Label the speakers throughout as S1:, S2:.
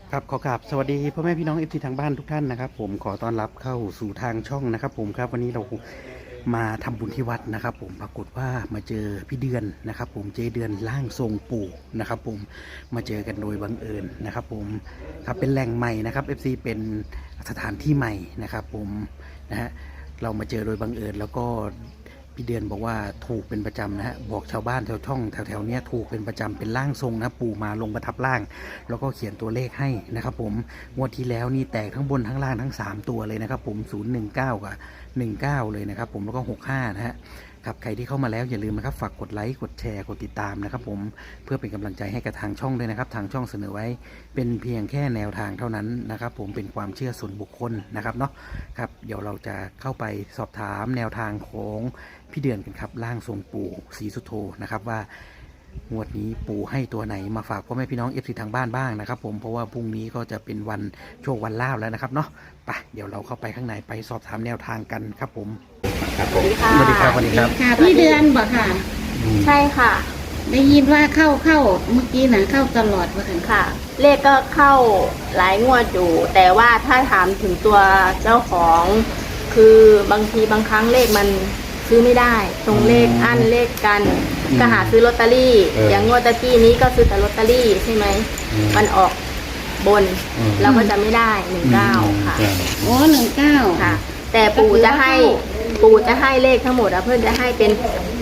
S1: ครับขอกราบสวัสดีพ่อแม่พี่น้องเอฟซีทางบ้านทุกท่านนะครับผมขอต้อนรับเข้าสู่ทางช่องนะครับผมครับวันนี้เรามาทำบุญที่วัดนะครับผมปรากฏว่ามาเจอพี่เดือนนะครับผมเจเดือนร่างทรงปู่นะครับผมมาเจอกันโดยบังเอิญนะครับผมครับเป็นแหล่งใหม่นะครับ FC เป็นสถานที่ใหม่นะครับผมนะฮะเรามาเจอโดยบังเอิญแล้วก็พี่เดือนบอกว่าถูกเป็นประจำนะฮะบอกชาวบ้านแถวช่องแถวเนี้ยถูกเป็นประจำเป็นร่างทรงนะปู่มาลงประทับร่างแล้วก็เขียนตัวเลขให้นะครับผมงวดที่แล้วนี่แตกทั้งบนทั้งล่างทั้ง3ตัวเลยนะครับผม019กับ19เลยนะครับผมแล้วก็65นะฮะครับใครที่เข้ามาแล้วอย่าลืมนะครับฝากกดไลค์กดแชร์กดติดตามนะครับผมเพื่อเป็นกำลังใจให้กับทางช่องด้วยนะครับทางช่องเสนอไว้เป็นเพียงแค่แนวทางเท่านั้นนะครับผมเป็นความเชื่อส่วนบุคคลนะครับเนาะครับเดี๋ยวเราจะเข้าไปสอบถามแนวทางของพี่เดือนกันครับร่างทรงปู่ศรีสุโธนะครับว่างวดนี้ปู่ให้ตัวไหนมาฝากพ่อแม่พี่น้องเอฟซีทางบ้านบ้างนะครับผมเพราะว่าพรุ่งนี้ก็จะเป็นวันโชควันลาภแล้วนะครับเนาะไปเดี๋ยวเราเข้าไปข้างในไปสอบถามแนวทางกันครับผมครับผมสวัสดีครับสวัสดีครับ
S2: ค่ะพี่เดือนบอกค่ะ
S3: ใช่ค่ะ
S2: ได้ยินว่าเข้าเมื่อกี้นะเข้าตลอดว่ากัน
S3: ค่ะ เลขก็เข้าหลายงวดอยู่แต่ว่าถ้าถามถึงตัวเจ้าของคือบางทีบางครั้งเลขมันซื้อไม่ได้ตรงเลขอั้นเลขกันก็หาซื้อลอตเตอรี่อย่างงวดตะกี้นี้ก็ซื้อแต่ลอตเตอรี่ใช่ไหมมันออกบนเราก็จะไม่ได้19ค่ะ
S2: โอ้19
S3: ค่ะแต่ปู่จะให้เลขทั้งหมดเพื่อนจะให้เป็น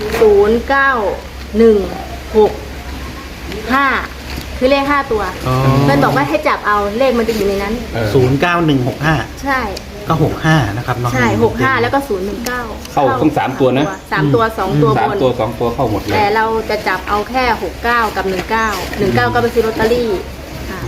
S3: 0916 คือเลข5ตัวเพื่อนบอกว่าให้จับเอาเลขมันจะอยู่ในนั้น
S1: 09165
S3: ใช่
S1: ก็65นะครับเนาะ
S3: ใช่65แล้วก็019
S4: เข้าทั้ง3ตัวนะ
S3: 3ตัว2ตัวบน
S4: 3ตัว2ตัวเข้าหมดเลย
S3: แต่เราจะจับเอาแค่69กับ19ก็ไปซื้อลอตเตอรี่ค่ะ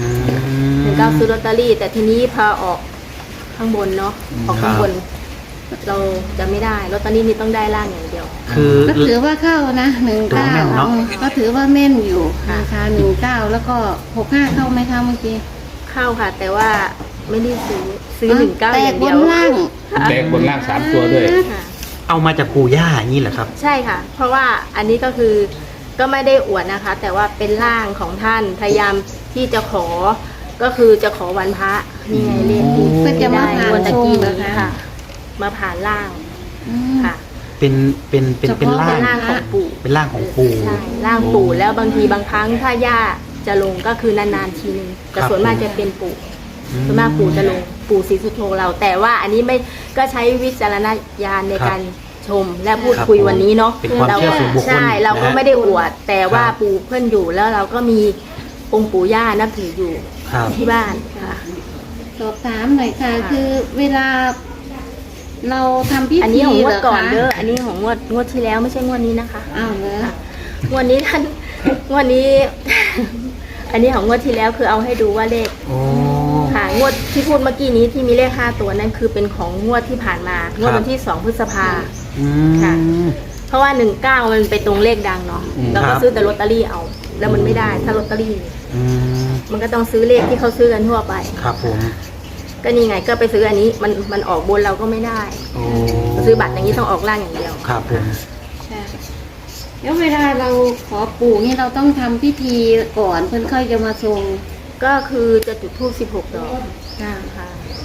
S3: 19ซื้อลอตเตอรี่แต่ทีนี้พอออกข้างบนเนาะออกข้างบนเราจะไม่ได้ลอตเตอรี่นี่ต้องได้ล่างอย่างเดียว
S1: คือ
S2: ก็ถือว่าเข้านะ19ก็ถือว่าแม่นอยู่นะคะ19แล้วก็65เข้าไหมคะเมื่อกี้
S3: เข้าค่ะแต่ว่าไม่ได้ซื้อ19อย่างเดียว
S4: แตกบนล่าง3ตัวด้วย
S1: เอามาจากปู่ย่าอย่างนี้เหรอครับ
S3: ใช่ค่ะเพราะว่าอันนี้ก็คือก็ไม่ได้อวดนะคะแต่ว่าเป็นร่างของท่านพยายามที่จะขอก็คือจะขอวันพระนี่ไงเลขที่
S2: ก็จะมาผ่าน
S3: ตะกี้นี้ค่ะมาผ่านร่างค่ะ
S1: เป็นร่าง
S3: ของปู่
S1: เป็นร่างของปู่
S3: ใช่ร่างปู่แล้วบางทีบางครั้งถ้าย่าจะลงก็คือนานๆทีนึงแต่ส่วนมากจะเป็นปู่ส่วนมากปู่จะลงปู่ศรีสุโธเราแต่ว่าอันนี้ไม่ก็ใช้วิจารณญาณในการชมและพูดคุยวันนี้เนาะ
S1: เรา
S3: ใช่เราก็ไม่ได้อวดแต่ว่าปู่เพื่อนอยู่แล้วเราก็มีองค์ปู่ย่านับถืออยู่ที่บ้านค่ะ
S2: สอบถามหน่อยค่ะคือเวลาเราทำพิธี
S3: อันนี้ของงวดก่อนเด้ออันนี้ของงวดที่แล้วไม่ใช่งวดนี้นะคะ
S2: อ้าวเลย
S3: งวดนี้ท่านงวดนี้ อันนี้ของงวดที่แล้วคือเอาให้ดูว่าเลขค่ะงวดที่พูดเมื่อกี้นี้ที่มีเลข5ตัวนั่นคือเป็นของงวดที่ผ่านมางวดวันที่2 พฤษภาค่ะเพราะว่า19มันไปตรงเลขดังเนาะเราก็ซื้อแต่ลอตเตอรี่เอาแล้วมันไม่ได้ถ้าลอตเตอรี่มันก็ต้องซื้อเลขที่เขาซื้อกันทั่วไป
S1: ครับผม
S3: ก็นี่ไงก็ไปซื้ออันนี้มันออกบนเราก็ไม่ได้ซื้อบัตรอย่างนี้ต้องออกล่างอย่างเดียว
S1: ครับผม
S2: แล้วเวลาเราขอปู่นี่เราต้องทำพิธีก่อนเพื่อนค่อยจะมาทรง
S3: ก็คือจะจุดธูป16 ดอกค่ะ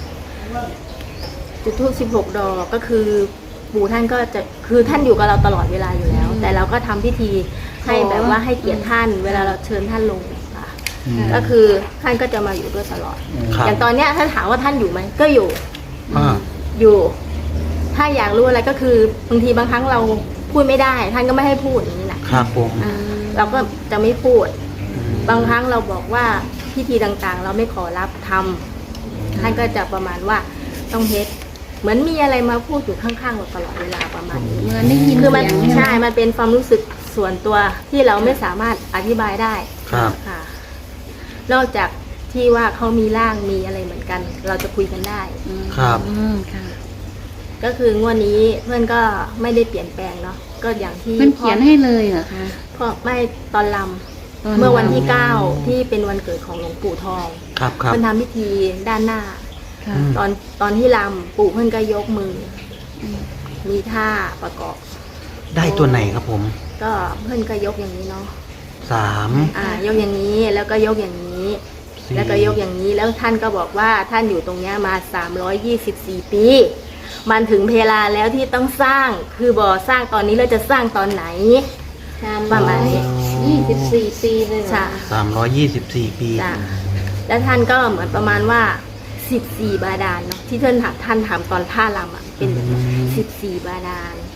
S3: จุดธูป16 ดอกก็คือปู่ท่านก็จะคือท่านอยู่กับเราตลอดเวลาอยู่แล้วแต่เราก็ทำพิธีให้แบบว่าให้เกียรติท่านเวลาเราเชิญท่านลงค่ะก็คือท่านก็จะมาอยู่ด้วยตลอดอย่างตอนเนี้ยท่านถามว่าท่านอยู่ไหมก็อยู่ถ้าอยากรู้อะไรก็คือบางทีบางครั้งเราพูดไม่ได้ท่านก็ไม่ให้พูดอย่างนี้นะครับ
S1: ผม
S3: เราก็จะไม่พูดบางครั้งเราบอกว่าพิธีต่างๆเราไม่ขอรับทำท่านก็จะประมาณว่าต้องเฮ็ดเหมือนมีอะไรมาพูดอยู่ข้างๆเราตลอดเวลาประมาณนี้คือมันใช่มันเป็นความรู้สึกส่วนตัวที่เราไม่สามารถอธิบายได้ค่ะนอกจากที่ว่าเขามีร่างมีอะไรเหมือนกันเราจะคุยกันได้
S1: ครับ
S3: ก็คืองวดนี้เพื่อนก็ไม่ได้เปลี่ยนแปลงเนาะก็อย่างที่
S2: มันเขียนให้เลยเหรอคะ
S3: เพราะไม่ตอนลำเมื่อวันที่9ที่เป็นวันเกิดของหลวงปู่ทอง
S1: เพื่
S3: อนทำพิธีด้านหน้าตอนที่ลำปู่เพื่อนก็ยกมือมีท่าประกอบ
S1: ได้ตัวไหนครับผม
S3: ก็เพื่อนก็ยกอย่างนี้เนาะ
S1: 3
S3: ยกอย่างนี้แล้วก็ยกอย่างนี้แล้วก็ยกอย่างนี้แล้วท่านก็บอกว่าท่านอยู่ตรงเนี้ยมา324 ปี มันถึงเวลาแล้วที่ต้องสร้างคือบ่สร้างตอนนี้เราจะสร้างตอนไหน ประมาณนี้
S2: 24 ปีเลยเหรอ
S3: ใช่
S1: 324 ปี
S3: จ้ะแล้วท่านก็เหมือนประมาณว่า14 บาดาลเนาะที่ท่านถามตอนท่ารำอ่ะเป็นแบบนี้14 บาดาล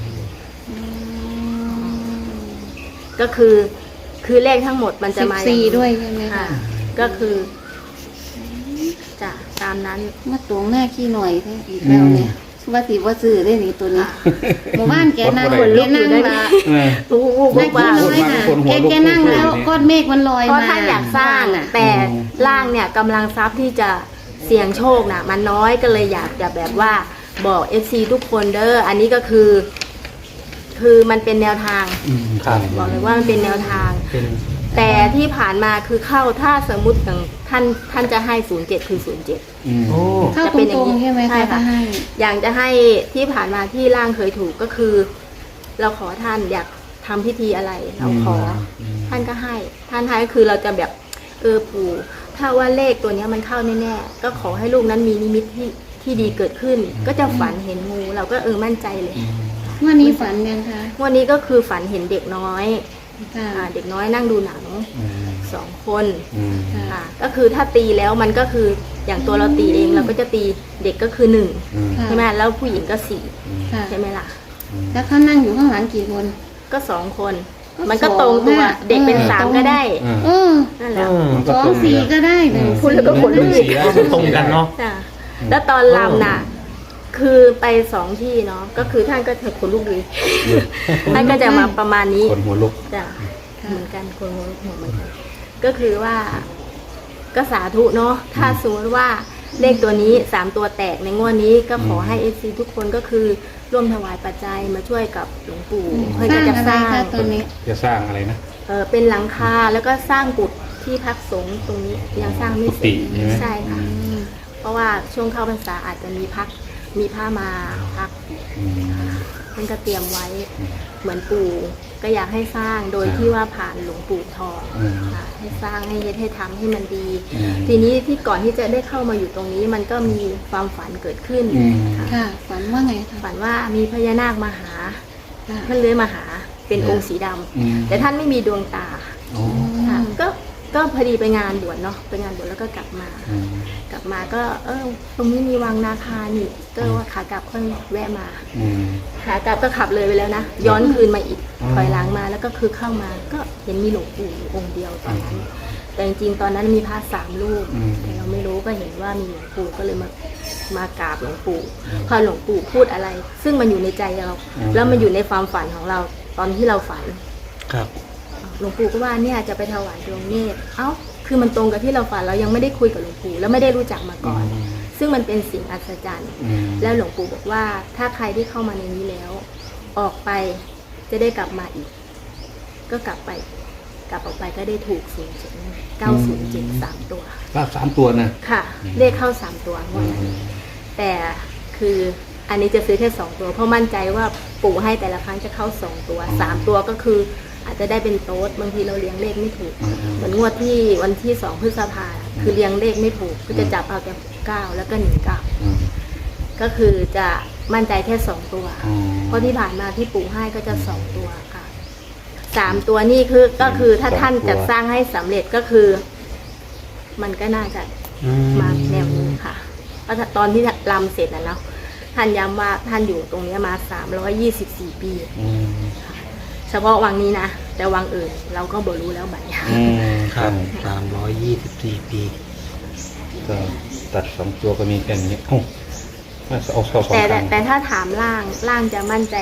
S3: ก็คือเลขทั้งหมดมันจะมาอย่างนี้
S2: 14ด้วยใช่ไหมคะ
S3: ค่ะก็คือจะตามนั้น
S2: มาตรงหน้าขี้หน่อยแท้อีกแล้วเนี่ยว่าสิว่าซื้อได้นี่ตัวนี้หมู่บ้านแกนั่ง
S4: คนลุ
S2: แก
S4: ก
S2: นั่งละ
S3: ผู้
S2: นั่ง
S3: ว่า
S2: ขี้น้อยน่ะ
S4: คนหัวลุก
S2: แกนั่งแล้วก้อนเมฆมันลอย
S3: เพราะ
S2: มา
S3: ท่านอยากสร้าง
S2: น่ะ
S3: แต่ร่างเนี่ยกำลังทรัพย์ที่จะเสี่ยงโชคน่ะมันน้อยก็เลยอยากจะแบบว่าบอก FC ทุกคนเด้ออันนี้ก็คือมันเป็นแนวทาง
S4: ครับ
S3: บอกเลยว่ามันเป็นแนวทาง
S1: เป็น
S3: แต่ที่ผ่านมาคือเข้าถ้าสมมุติอย่างท่านจะให้07คือ07
S4: อืม
S1: โอ้
S2: เข้า
S3: จะ
S2: ต
S3: เป็นอย่า
S2: รง ง
S3: นี้
S2: ๆใช่ไหม
S3: ใช่
S2: คะ
S3: ค่ะ
S2: ถ้าให้
S3: อย่างจะให้ที่ผ่านมาที่ร่างเคยถูกก็คือ เราขอท่านอยากทำพิธีอะไรเราขออท่านก็ให้ท่านให้ก็คือเราจะแบบปู่ถ้าว่าเลขตัวเนี้ยมันเข้าแน่ๆก็ขอให้ลูกนั้นมีนิมิตที่ดีเกิดขึ้น ก็จะฝันเห็นงูเราก็มั่นใจเลย
S2: วันนี้ฝันยังคะ
S3: วันนี้ก็คือฝันเห็นเด็กน้อย
S2: ค่ะ
S3: เด็กน้อยนั่งดูหนัง2 คน
S2: ค่ะ
S3: ก็คือถ้าตีแล้วมันก็คืออย่างตัวเราตีเองเราก็จะตีเด็กก็คือ1ใช่ไหมแล้วผู้หญิงก็4
S2: ค่ะ
S3: ใช่ไหมล่ะ
S2: แล้วเขานั่งอยู่ข้างหลังกี่คน
S3: ก็2 คน
S2: ก็
S3: มันก็ตรงตัว
S2: สองอะ
S3: เด็กเป็น
S2: เออ
S3: 3ก็ได้
S2: เออ
S3: นั่นแหละ
S2: 2 4ก็ได้เลย
S3: พูดแล้วก็ขนลุกอีก
S1: ตรงกันเนาะ
S3: จ้ะแล้วตอนรำน่ะ คือไป2 ที่เนาะก็คือท่านก็จะขนลุกดีท่านก็จะมาประมาณนี้
S4: คนหัวลุก
S3: จ้ะเหมือนกันคนหัวเหมือนกันก็คือว่าก็สาธุเนาะถ้าสมมติว่าเลขตัวนี้3 ตัวแตกในงวดนี้ก็ขอให้ FC ทุกคนก็คือร่วมถวายปัจจัยมาช่วยกับหลวงปู่เพื่อ
S2: สร้าง
S3: จะ
S2: อะไร
S3: สร้าง
S2: คะตัวนี้
S4: จะสร้างอะไรนะ
S3: เป็นหลังคาแล้วก็สร้างกุฏที่พักสงฆ์ตรงนี้ยังสร้างไม่เสร็จ
S4: กุฏิใช่ไหม
S3: ใช่ค่ะ เพราะว่าช่วงเข้าพรรษาอาจจะมีผ้ามาพัก
S4: อืม
S3: มันก็เตรียมไว้เหมือนปู่ก็อยากให้สร้างโดยที่ว่าผ่านหลวงปู่ทองค่ะให้สร้างให้เฮ็ดให้ทำให้มันดี ทีนี้ที่ก่อนที่จะได้เข้ามาอยู่ตรงนี้มันก็มีความฝันเกิดขึ้นค่ะ
S2: ค่ะ ฝันว่าไงคะ
S3: ฝันว่ามีพญานาคมาหา
S2: ค่ะ
S3: ท่านเลื้อยมาหาเป็นองค์สีดำแต่ท่านไม่มีดวงตา ค่ะก็พอดีไปงานบวชเนาะไปงานบวชแล้วก็กลับมาก็ตรงนี้มีวังนาคานี่ก็ว่าขากลับค่อยแวะมาขากลับก็ขับเลยไปแล้วนะย้อนคืนมาอีกถอยหลังมาแล้วก็คือเข้ามาก็เห็นมีหลวงปู่อยู่องค์เดียวตอนนั้นแต่จริงๆตอนนั้นมีพระ3 รูปแต่เราไม่รู้ก็เห็นว่ามีหลวงปู่ก็เลยมากราบหลวงปู่พอหลวงปู่พูดอะไร ซึ่งมันอยู่ในใจเราแล้วมันอยู่ในความฝันของเราตอนที่เราฝัน
S1: ครับ
S3: หลวงปู่ก็ว่าเนี่ยจะไปถวายดวงเนตรคือมันตรงกับที่เราฝันเรายังไม่ได้คุยกับหลวงปู่แล้วไม่ได้รู้จักมาก่อน ซึ่งมันเป็นสิ่งอัศจรรย์แล้วหลวงปู่บอกว่าถ้าใครที่เข้ามาในนี้แล้ว ออกไปจะได้กลับมาอีก ก็กลับออกไปก็ได้ถูก907 3 ตัว
S4: รอบ3 ตัวนะ
S3: ค่ะเลขเข้า3 ตัวงวดนั้นแต่คืออันนี้จะซื้อแค่2 ตัวเพราะมั่นใจว่าปู่ให้แต่ละครั้งจะเข้า2 ตัว3 ตัวก็คืออาจจะได้เป็นโต๊ดบางทีเราเลี้ยงเลขไม่ถูกเหมือนงวดที่วันที่2 พฤษภาคือเลี้ยงเลขไม่ถูกก็จะจับเอาแต่9แล้วก็19ก็คือจะมั่นใจแค่2 ตัวเพราะที่ผ่านมาที่ปู่ให้ก็จะ2 ตัวค่ะ3 ตัวนี่ก็คือถ้าท่านจะสร้างให้สำเร็จก็คือ มันก็น่าจะมาแนวนี้ค่ะเพราะตอนที่รำเสร็จแล้วท่านย้ำว่าท่านอยู่ตรงนี้มา324 ปีเฉพาะวังนี้นะแต่วังอื่นเราก็บ่รู้แล้วบัดนี้
S1: ครับ324 ปี
S4: ก็ตัด2 ตัวก็มีแค่นี้โอ้มาเอาเข้า2 ครั้ง
S3: แต่ถ้าถามล่างจะมั่นใจ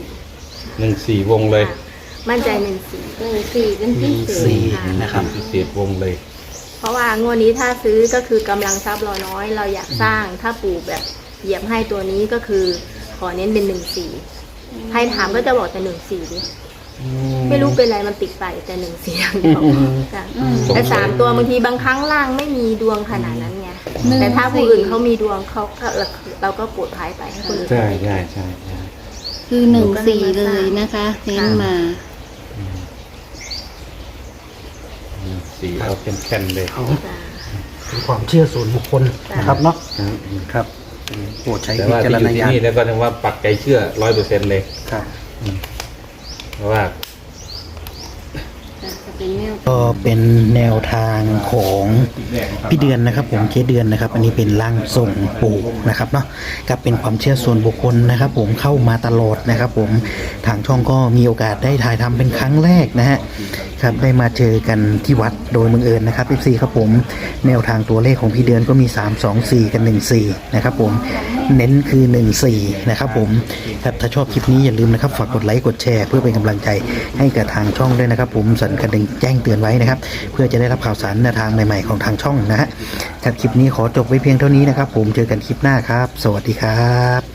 S4: 14 วงเลย
S3: มั่นใจ14
S2: 4เป็นพิเศษ
S1: 4นะครับ
S4: 14 วงเลย
S3: เพราะว่างวดนี้ถ้าซื้อก็คือกำลังทรัพย์เราน้อยเราอยากสร้างถ้าปู่แบบเหยียบให้ตัวนี้ก็คือขอเน้นเป็น14ใครถามก็จะบอกแต่14ดิไม่รู้เป็นไรมันติดไปแต่14อย่างเดียวจ้ะแต่3 ตัวบางทีบางครั้งล่างไม่มีดวงขนาดนั้นไงแต่ถ้าผู้อื่นเขามีดวงเขาก็เราก็ปวดท้ายไปให้คนอื่น
S4: ใช่
S2: คือ14เลยนะคะเน้นมา
S4: 4เอาแค่นๆเลย
S3: จ้ะ
S1: เป็นความเชื่อส่วนบุคคลนะครับเนาะ
S4: อืม
S1: ครับโปรดใช้
S4: แต่
S1: วิ
S4: ว่า
S1: จา
S4: ที่
S1: ร
S4: อยู่
S1: ณ
S4: ที่
S1: ญาณ
S4: นี่แล้วก็นึกว่าปักใจเชื่อ100%เลย
S1: ครับ
S4: เพราะว่า
S2: จะเป็นแนว
S1: ก็เป็นแนวทางของพี่เดือนนะครับผมเจ๊เดือนนะครับ อันนี้เป็นร่างทรงปู่นะครับเนาะกับเป็นความเชื่อส่วนบุคคลนะครับ ผมเข้ามาตลอดนะครับ ผมทางช่องก็มีโอกาสได้ถ่ายทำเป็นครั้งแรกนะฮะครับได้มาเจอกันที่วัดโดยบังเอิญนะครับ FC ครับผมแนวทางตัวเลขของพี่เดือนก็มี324กับ14นะครับผมเน้นคือ14นะครับผมครับถ้าชอบคลิปนี้อย่าลืมนะครับฝากกดไลค์กดแชร์เพื่อเป็นกำลังใจให้กับทางช่องด้วยนะครับ ผมสั่นกระดิ่งแจ้งเตือนไว้นะครับ เพื่อจะได้รับข่าวสารแนวทางใหม่ๆของทางช่องนะฮะครับคลิปนี้ขอจบไว้เพียงเท่านี้นะครับ ผมเจอกันคลิปหน้าครับ สวัสดีครับ